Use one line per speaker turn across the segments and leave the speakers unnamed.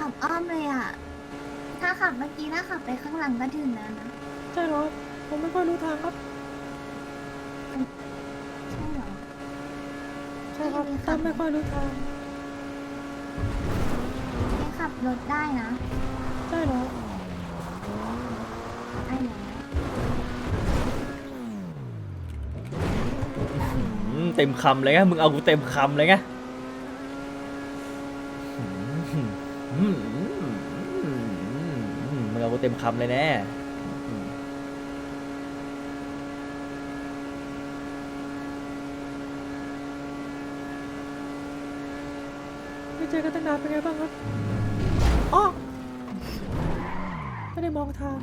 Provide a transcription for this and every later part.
ขับอ้อมเลยอ่ะถ้าขับเมื่อกี้ถ้าขับไปข้างหลังก็ถึงแล้วนะ
ใช่เหรอผมไม่ค่อยรู้ทางครับ
ใช่เหรอ
ใช่ครับตั้มไม่ค่อยรู้ทาง
ไม่ขับรถได้นะ
ใช่เหรอ
ไอ้แล้ว
เต็มคำเลยไงมึงเอากูเต็มคำเลยไงมึงเอากูเต็มคำเลยแน่
ไม่เจอกันตั้งนานเป็นไงบ้างครับอ๋อไม่ได้มองทาง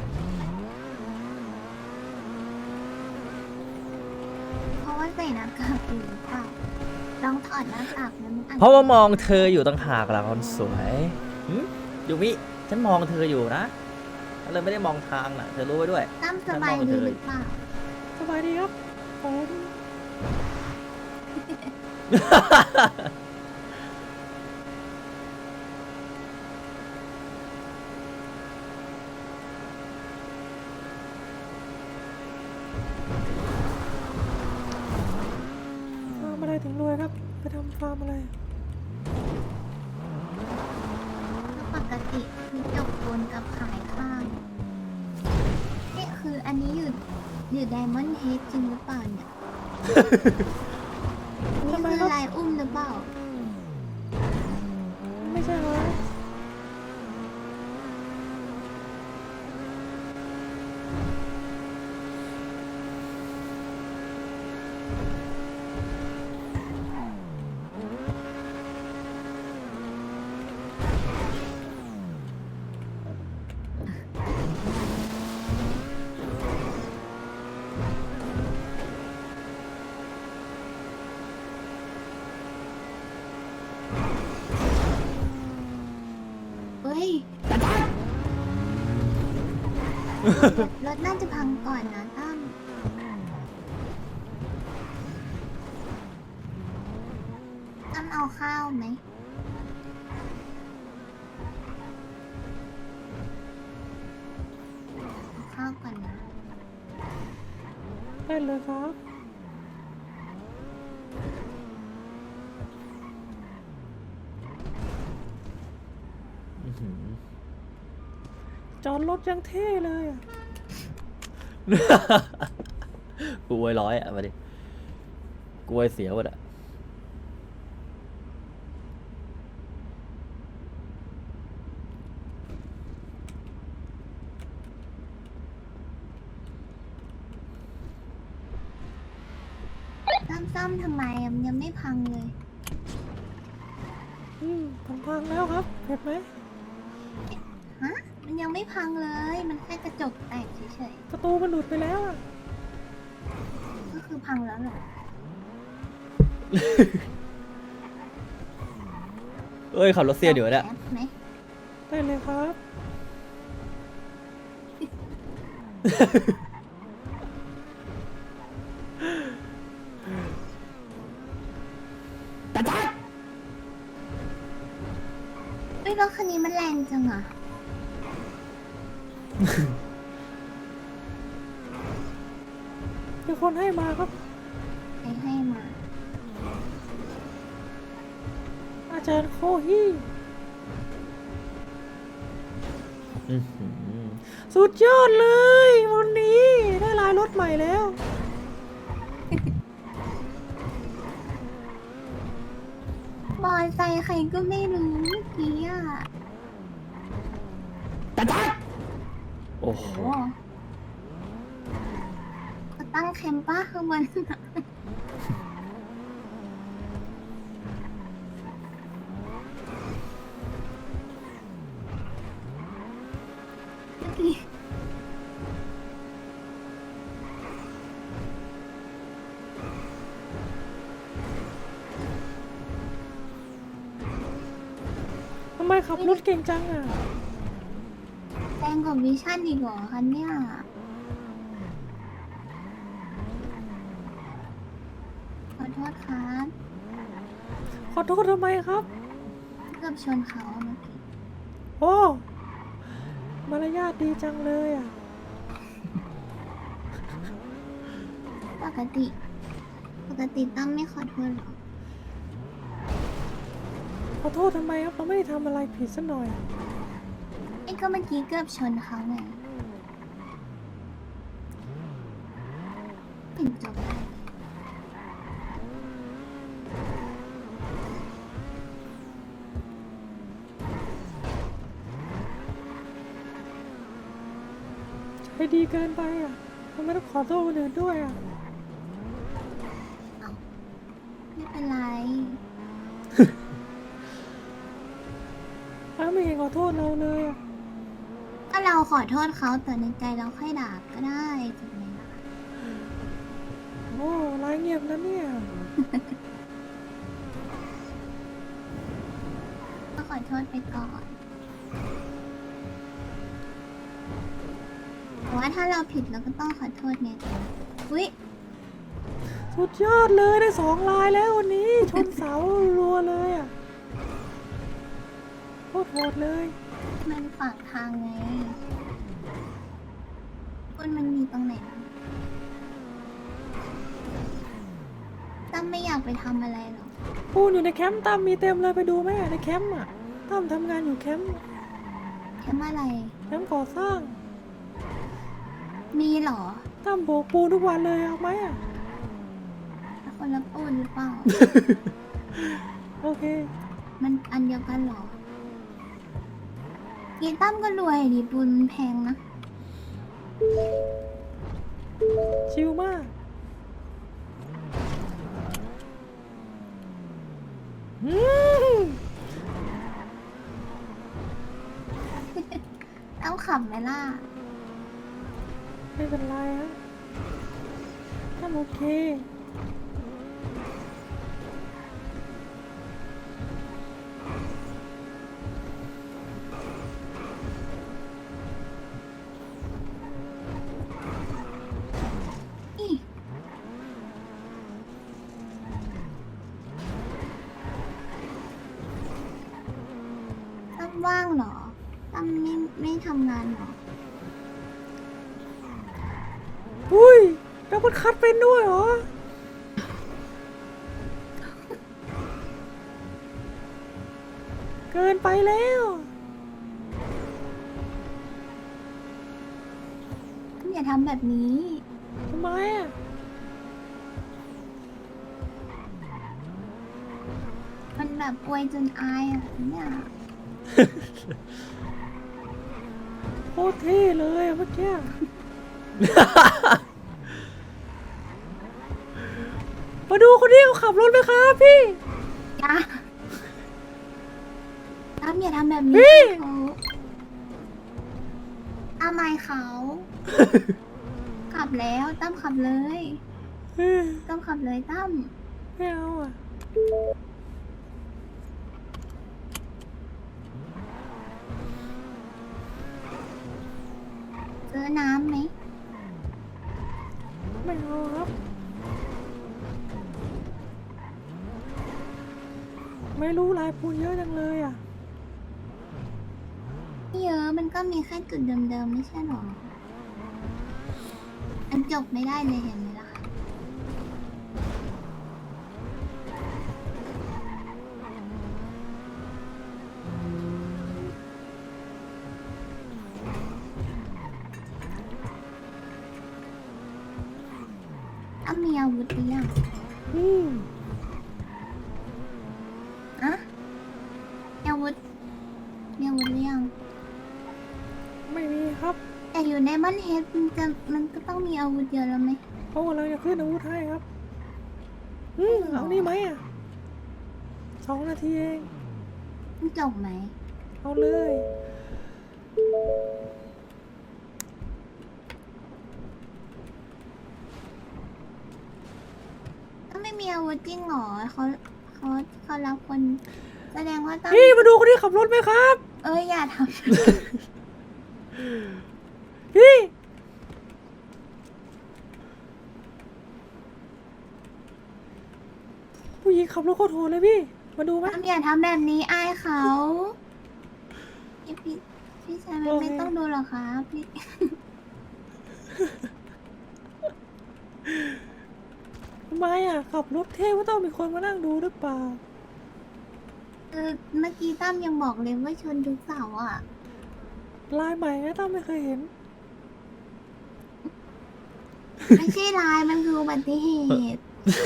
เพราะว่าใส่หน้ากากอยู่หรือเปล่าลองถอดหน้ากากแล้วมันอาจ
เพราะว่ามองเธออยู่ต่างหากล่ะคนสวยยูมิฉันมองเธออยู่นะฉันเลยไม่ได้มองทางน่ะเธอรู้ไว้ด้วย
ตั้มสบายดีหรือเปล่า
สบายดีครับผมฟาร์มอะไรถึงรวยครับไปทำฟาร์มอะไร
ปกติคือจบบนกับขายข้างนี่คืออันนี้อยู่ไดมอนด์เฮดจริงหรือเปล่าเนี่ยนี่คือลายอุ้มหรือเปล่า
ไม่ใช่เหรอ
เฮ้ยรถน่าจะพังก่อนนะตั้มเอาข้าวไหมเอาข้าวก่อนนะ
ได้เลยครับจอดรถยังเท่เลยอะ
กูอวยร้อยอ่ะมาดิกูอวยเสียหมดอ่ะ
ตั้มซ่อมทำไมอะมันยังไม่พังเลย
ผมพังแล้วครับเห็นไหม
ฮะ มันยังไม่พังเลย มันแค่กระจกแตกเฉย
ประตูมันหลุดไปแล้วอะ
ๆ ก็คือพังแล้วเหรอ
เอ้ยขับรถเสียเดี๋ยวเนี่ย
แอปไหม
ได้เลยครับ
เฮ้ยรถคันนี้มันแรงจังอ่ะ
มีคนให้มาครับ
ใครให้มา
อาจารย์โคฮี่สุดยอดเลยวันนี้ได้ลายรถใหม่แล้ว
บอยไซค์ใครก็ไม่รู้เมื่อกี้อ่ะ
โอ้โห
โอ้เขาตั้งแคมป์ป้าข้างบนน่ะเมื่อกี้
ทำไมขับรถเก่งจังอ่ะ
แรงกว่าวิชั่นอีกเหรอคะเนี่ยขอโทษครับ
ขอโทษทำไมครับ
เกือบชนเขาเมื่อกี้
โอ้มารยาทดีจังเลยอ่ะ
ปกติตั้มไม่ขอโทษหรอ
ขอโทษทำไมครับเราไม่ได้ทำอะไรผิดสักหน่อย
ไอ้ก็เมื่อกี้เกือบชนเขาไงเห็นจบได้
ใจดีเกินไปอ่ะทำไมต้องขอโทษคนอื่นด้วยอ่ะ
ไม่เป็นไร
อ้าวไม่เห็นขอโทษเราเลยอ่ะ
ก็เราขอโทษเขาแต่ในใจเราค่อยด่าก็ได้ถูกไหมล่ะ
โอ้ร้ายเงียบนะเนี่ย
ก็ขอโทษไปก่อนแต่ว่าถ้าเราผิดเราก็ต้องขอโทษไงอุ๊ย
สุดยอดเลยได้2 ลายแล้ววันนี้ ชนเสารัวเลยอ่ะโคตรโหดเลย
มันฝั่งทางไงคุณมันมีตรงไหนบ้างตั้มไม่อยากไปทำอะไรหรอก
ปูนอยู่ในแคมป์ตั้มมีเต็มเลยไปดูไหมในแคมป์อ่ะตั้มทำงานอยู่แคมป์
แค่อะไร
แคมป์ก่อสร้าง
มีเหรอ
ตั้มโบกปูนทุกวันเลยเอาไหมอ่ะ
คนละปูนหรือเปล่า
โอเค
มันอันเดียวกันเหรอยีตั้มก็รวยดิปูนมันแพงนะ
ชิลมาก
ต้องขับไหมล่ะ
ไม่เป็นไรฮะตั้มโอเค
อีตั้มว่างเหรอตั้มไม่ทำงานเหรอ
อุ้ยดับเบิลคัทเป็นด้วยเหรอ เกินไปแล้ว
อย่าทำแบบนี้
ทำไมอ่ะ
มันแบบอวยจนอายอ่ะเนี่ย
โคตรเท่เลยอะเมื่อกี้ มาดูคนนี้เขาขับรถไหมครับพี่
อย่าตั้มอย่าทำแบบ
เฮ้
นี้
ย
เขาทำไมเขา ขับแล้วตั้มขับเลย
เฮ้ย
ตั้มขับเลยตั้ม
ไม่เอาอ่ะ
ซื้อน้ำไหม
ไม่เอาครับ ไม่รู้ลายปูนเยอะจังเลยอ่ะ
ไม่เยอะมันก็มีแค่จุดเดิมๆไม่ใช่หรออันจบไม่ได้เลยเห็นไหมล่ะตั้มมีอาวุธหรือยัง
อืม
อะมีอาวุธหรือยัง
ไม่มีครับ
แต่อยู่ในมันเฮดมันก็ต้องมีอาวุธเยอะแล้วไหม
เขากำลังจะขึ้นอาวุธให้ครับ เอานี่ไหมอ่ะ 2 นาทีเอง
มันจบไหม
เอาเลย
ถ้าไม่มีอาวุธจริงเหรอเขารับคน แสดงว่าต้อง
พี่มาดูคนที่ขับรถไหมครับ
อย่าท
พี่ ผู้หญิงขับรถโคตรโหดเลยพี่ มาดูไหม
ำตั้มอย่าทำแบบนี้อายเขาพี่ชายมันไม่ต้องดูหรอกครับพี่
ทำไมอ่ะขับรถเท่ว่าต้องมีคนมานั่งดูหรือเปล่า
เมื่อกี้ตั้มยังบอกเลยว่าชนทุกเสาอ่ะ
ลายใหม่นะต้องไม่เคยเห็น
ไม่ใช่ลายมันคืออุบัติเหตุ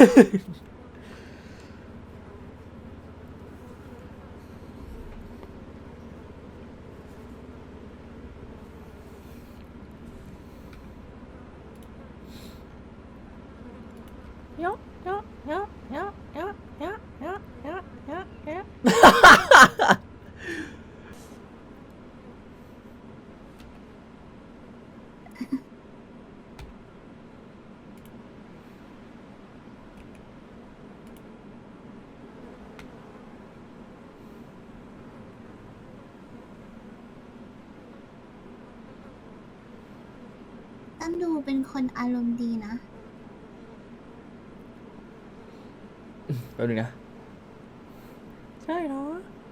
เยอะเยอะเยอะเยอะเยอะเยอะเยอะเยอะเยอะเยอะ
ตั้มดูเป็นคนอารมณ์ดีนะ
แป๊บนึงนะ
ใช่เหรอ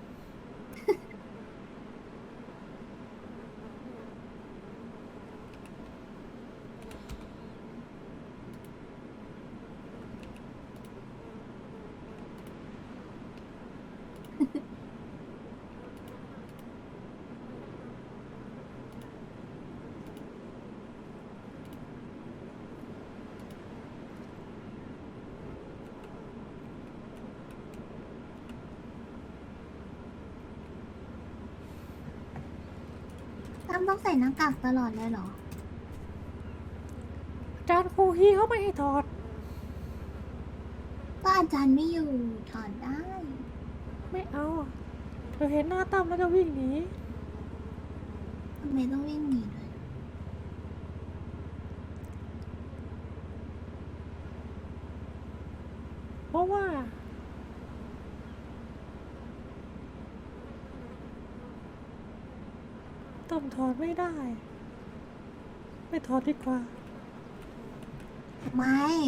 ตั้มต้องใส่หน้ากากตลอดเลยเหรอ
อาจารย์ครูฮีเขาไม่ให้ถอด
ก็อาจารย์ไม่อยู่ถอดได้
ไม่เอาอะเราเห็นหน้าตั้มแล้วจะวิ่งหนี
ทำไมต้องวิ่งหนีด้วย
เพราะว่าตั้มถอดไม่ได้ ไม่ถอดดีกว่า
ทำไม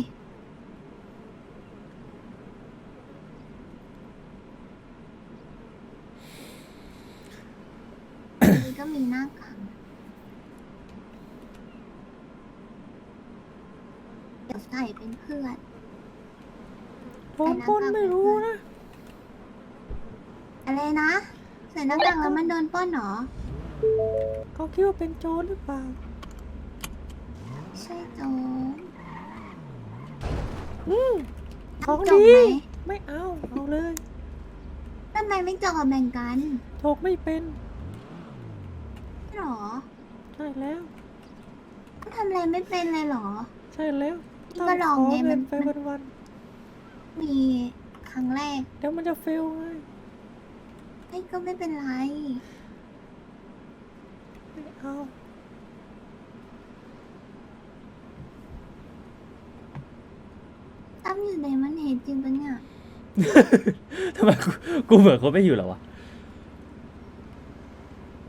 นี่ก็มีหน้ากากเดี๋ยวใส่เป็นเพื่อน
โดนปล้นไม่รู้นะ
อะไรนะ ใส่หน้ากากแล้วมันโดนปล้นเหรอ
เขาคิดว่าเป็นโจรหรือเปล่า
ใช่โจร
ของ
จบ
ดี
ไหม
ไม่เอา เอาเลย
ทำไมไม่จบกับแบ่งกัน
ถกไม่เป็น
หรอ
ใช่แล้ว
ทำอะไรไม่เป็นเลยเหรอ
ใช่แล้ว
ก็ลอง
ขอ
ไง
เงิน
มัน
ไปวัน
มีครั้งแรก
ๆเดี๋ยวมันจะเฟลไง
ไอ้ก็ไม่เป็นไร
ไม่เอา
ตั้มอยู่ในมันเหตุจริงปะเนี่ย
ทำไมกูเหมือนคนไม่อยู่เหรอวะ